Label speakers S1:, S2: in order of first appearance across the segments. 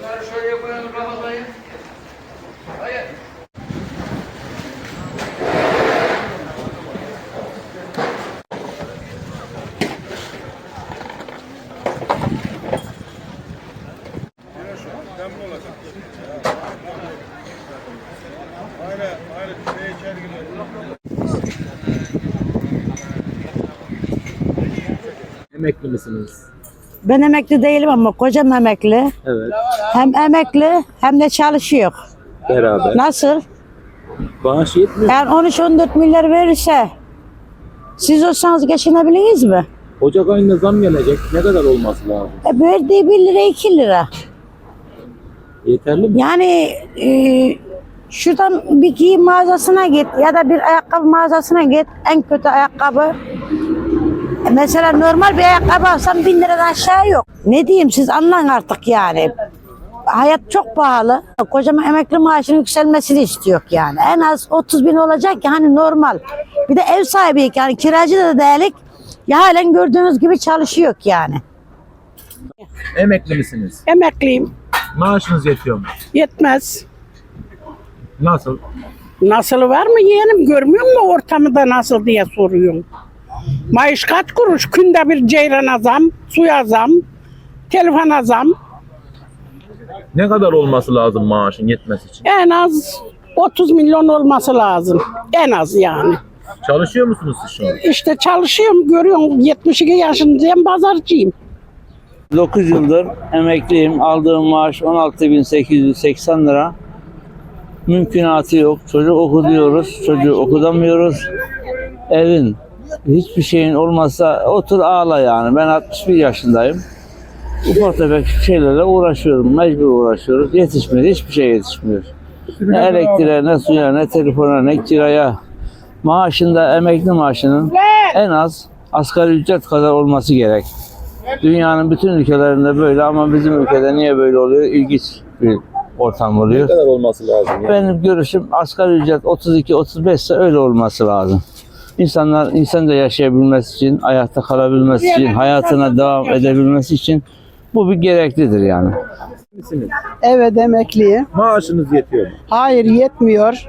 S1: Bunları şöyle koyalım Ramazan'ı. Hayır.
S2: Emekli misiniz?
S3: Ben emekli değilim ama kocam emekli.
S2: Evet.
S3: Hem emekli hem de çalışıyor.
S2: Beraber.
S3: Nasıl?
S2: Bağış yetmiyor.
S3: Yani 13-14 milyar verirse siz olsanız geçinebiliriz mi?
S2: Ocak ayında zam gelecek. Ne kadar olması lazım?
S3: Verdiği 1 lira 2 lira.
S2: Yeterli mi?
S3: Yani şuradan bir giyim mağazasına git ya da bir ayakkabı mağazasına git. En kötü ayakkabı. Mesela normal bir ayakkabı alsam 1000 liradan aşağı yok. Ne diyeyim siz anlayın artık yani. Hayat çok pahalı. Kocaman emekli maaşının yükselmesini istiyor yani. En az 30 bin olacak ki hani normal. Bir de ev sahibiyik yani kiracı da değilik. Ya halen gördüğünüz gibi çalışıyor yani.
S2: Emekli misiniz?
S4: Emekliyim.
S2: Maaşınız yetiyor mu?
S4: Yetmez.
S2: Nasıl?
S4: Nasıl var mı yeğenim, görmüyor musun ortamı da nasıl diye soruyorsun. Maaş kaç kuruş? Günde bir ceyrana zam, suya zam, telefona zam.
S2: Ne kadar olması lazım maaşın yetmesi için?
S4: En az 30 milyon olması lazım. En az yani.
S2: Çalışıyor musunuz siz şu an?
S4: İşte çalışıyorum, görüyorum 72 yaşındayım, pazarcıyım.
S5: 9 yıldır emekliyim. Aldığım maaş 16.880 lira. Mümkünatı yok. Çocuk okutuyoruz. Çocuğu okutamıyoruz. Evin hiçbir şeyin olmazsa otur ağla yani. Ben 61 yaşındayım. Ufak tefek şeylerle uğraşıyorum. Mecbur uğraşıyoruz. Yetişmiyor. Hiçbir şey yetişmiyor. Ne elektriğe, ne suya, ne telefona, ne kiraya. Maaşında, emekli maaşının en az asgari ücret kadar olması gerek. Dünyanın bütün ülkelerinde böyle ama bizim ülkede niye böyle oluyor? İlginç bir ortam
S2: Ne
S5: oluyor.
S2: kadar olması lazım? Yani?
S5: Benim görüşüm asgari ücret 32-35 ise öyle olması lazım. İnsanlar insanca yaşayabilmesi için, ayakta kalabilmesi için, hayatına devam edebilmesi için bu bir gereklidir yani.
S2: Misiniz?
S6: Evet emekliyim.
S2: Maaşınız yetiyor mu?
S6: Hayır yetmiyor.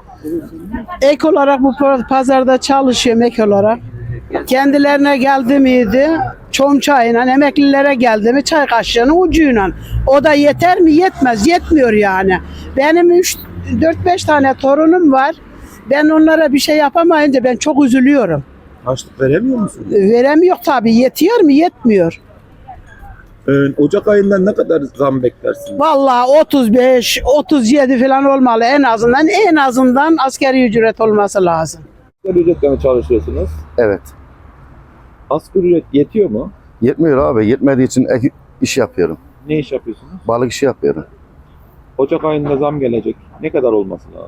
S6: Ek olarak bu pazarda çalışıyorum ek olarak. Kendilerine geldi miydi? Çom çayıyla emeklilere geldi mi çay kaşığının ucuyla. O da yeter mi? Yetmez. Yetmiyor yani. Benim 4-5 tane torunum var. Ben onlara bir şey yapamayınca ben çok üzülüyorum.
S2: Harçlık veremiyor musunuz?
S6: Veremiyor tabii. Yetiyor mu? Yetmiyor.
S2: Ocak ayından ne kadar zam beklersiniz?
S6: Vallahi 35, 37 falan olmalı en azından asgari ücret olması lazım.
S2: Asgari ücretle mi çalışıyorsunuz?
S7: Evet.
S2: Asgari ücret yetiyor mu?
S7: Yetmiyor abi. Yetmediği için ek iş yapıyorum.
S2: Ne iş yapıyorsunuz?
S7: Balık işi yapıyorum.
S2: Ocak ayında zam gelecek. Ne kadar olması lazım?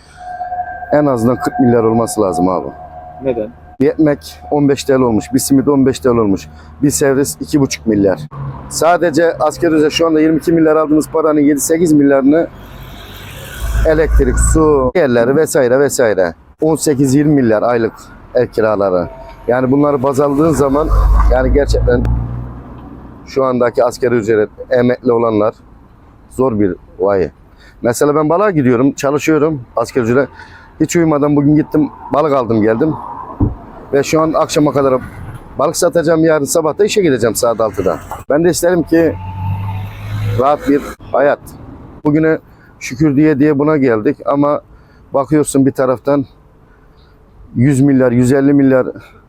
S7: En azından 40 milyar olması lazım abi.
S2: Neden?
S7: Bir ekmek 15 TL olmuş. Bir simit 15 TL olmuş. Bir servis 2,5 milyar. Sadece asgari ücret şu anda 22 milyar aldığımız paranın 7-8 milyarını elektrik, su, yerleri vesaire vesaire. 18-20 milyar aylık ev kiraları. Yani bunları baz aldığın zaman yani gerçekten şu andaki asgari ücret emekli olanlar zor bir vay. Mesela ben balığa gidiyorum, çalışıyorum asgari ücret. Hiç uyumadan bugün gittim, balık aldım geldim. Ve şu an akşama kadar balık satacağım, yarın sabah da işe gideceğim saat 6'da. Ben de isterim ki rahat bir hayat. Bugüne şükür diye buna geldik ama bakıyorsun bir taraftan 100 milyar, 150 milyar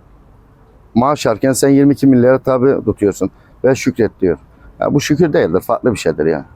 S7: maaş alırken sen 22 milyara tabi tutuyorsun ve şükret diyor. Ya bu şükür değildir, farklı bir şeydir ya.